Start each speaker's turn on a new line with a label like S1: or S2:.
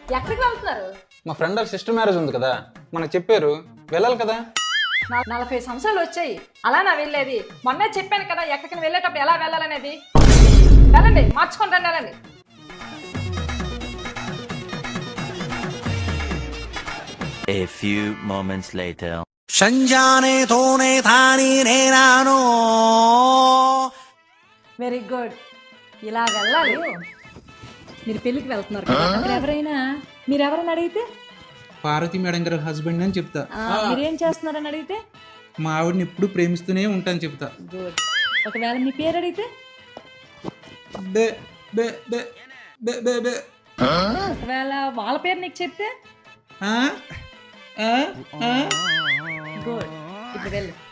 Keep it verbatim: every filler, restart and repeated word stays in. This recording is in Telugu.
S1: ఎక్కడికి వెళ్తున్నారు?
S2: మా ఫ్రెండ్ వాళ్ళ సిస్టర్ మ్యారేజ్ ఉంది కదా, మనకు చెప్పారు, వెళ్ళాలి కదా.
S1: నా- నలభై సంవత్సరాలు వచ్చాయి, అలా నా వెళ్ళేది. మొన్నే చెప్పాను కదా ఎక్కడికి వెళ్ళేటప్పుడు ఎలా వెళ్ళాలనేది. వెళ్ళండి, మార్చుకొని రండి, వెళ్ళండి.
S3: A few moments later.
S4: సంజానే తోనే తాని నేనాను.
S1: వెరీ గుడ్, ఇలా వెళ్ళాలి. మీరు పెళ్ళికి వెళ్తున్నారు కదా, అక్కడ ఎవరైనా మీరెవరైనా అడిగితే
S5: పార్వతి మేడం గారి హస్బెండ్ అని చెప్తా.
S1: ఆ, మీరేం చేస్తున్నారని అడిగితే
S5: మా ఆవిడని ఎప్పుడు ప్రేమిస్తూనే ఉంటాను చెప్తా.
S1: గుడ్. ఒకవేళ మీ పేరు అడిగితే
S5: బే బే బే బే బే బే.
S1: ఒకవేళ వాళ్ళ పేరు నీకు చెప్తే
S5: ఆ? ఆ? ఆ?
S1: గుడ్. ఇప్పుడు వెళ్ళు.